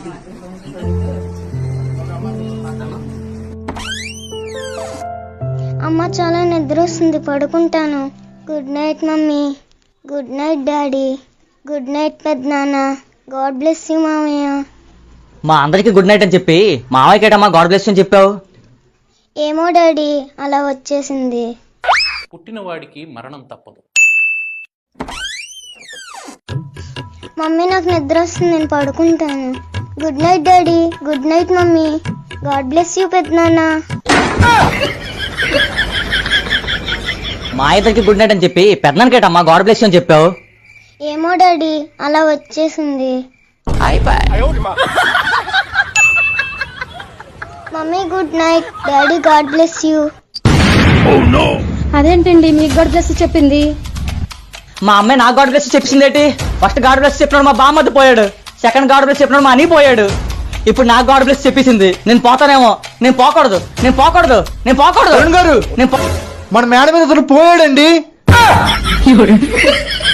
అమ్మ చాలా నిద్ర వస్తుంది, పడుకుంటాను. Good night mummy. Good night daddy. Good night పెద్దనాన్న. గాడ్ బ్లెస్ యూ మామయ్య. మా అందరికి గుడ్ నైట్ అని చెప్పి మావయ్యకేటమ్మా గాడ్ బ్లెస్ అని చెప్పావు? ఏమో డాడీ, అలా వచ్చేసింది. పుట్టినవాడికి మరణం తప్పదు. మమ్మీ నాకు నిద్ర వస్తుంది, నేను పడుకుంటాను. Good night daddy. Good night mummy. God bless you పెద్దనాన్న. మా ఇద్దరికి గుడ్ నైట్ అని చెప్పి పెద్దనాన్నకేటమ్మా గాడ్ బ్లెస్ అని చెప్పావు? ఏమో డాడీ, అలా వచ్చేసింది. Mummy good night. Daddy god bless you. అదేంటండి మీకు గాడ్ బ్లెస్ చెప్పింది? మా అమ్మాయి నాకు గాడ్ బ్లెస్ చెప్పిందేంటి? ఫస్ట్ గాడ్ బ్లెస్ చెప్పినాడు మా బామ్మది పోయాడు, సెకండ్ గాడ్ బ్లెస్ చెప్పినాడు మా అని పోయాడు, ఇప్పుడు నాకు గాడ్ బ్లెస్ చెప్పేసింది. నేను పోతానేమో. నేను పోకూడదు. గారు నేను మన మేడ మీద పోయాడండి.